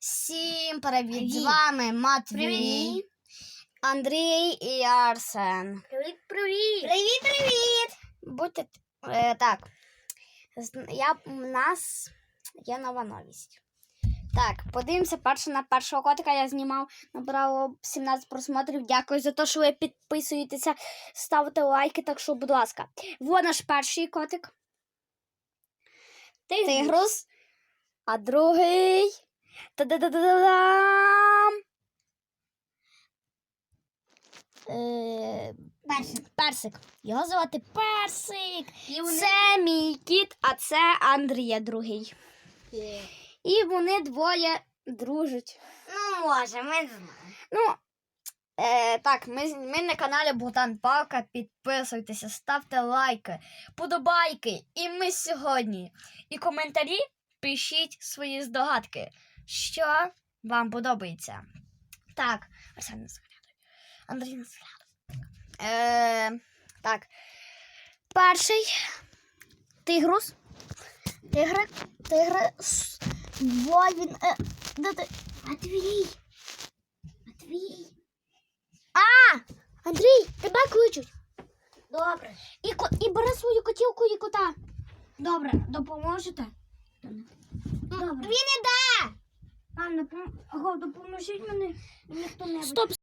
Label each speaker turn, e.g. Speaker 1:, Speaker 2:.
Speaker 1: Всім привіт! З вами Матвій, Андрій і Арсен.
Speaker 2: Привіт!
Speaker 1: Будьте так. Є нова новість. Так, подивимося на першого котика. Я знімав, набрало 17 просмотрів. Дякую за те, що ви підписуєтеся, ставите лайки, так що, будь ласка. Вот наш перший котик. Тигрус. А другий. Та-да-да-да-дам! Персик. Його звати Персик. Це мій кіт, а це Андрія другий. І вони двоє дружать.
Speaker 2: Ну, може, ми знаємо.
Speaker 1: Ну, так, ми на каналі Богдан Палка. Підписуйтеся, ставте лайки, подобайки. І ми сьогодні. І коментарі пишіть свої здогадки, що вам подобається. Так, Арсен нас виглядає. Андрій нас виглядає. Так. Перший тигрус. Тигрус. Во він. Де ти? Матвій. Андрій, тебе кличуть.
Speaker 2: Добре.
Speaker 1: І бери свою котілку і кота.
Speaker 2: Добре, допоможете?
Speaker 1: Добре.
Speaker 2: Він іде!
Speaker 1: Допоможіть мені.
Speaker 2: Ніхто не
Speaker 1: Стоп.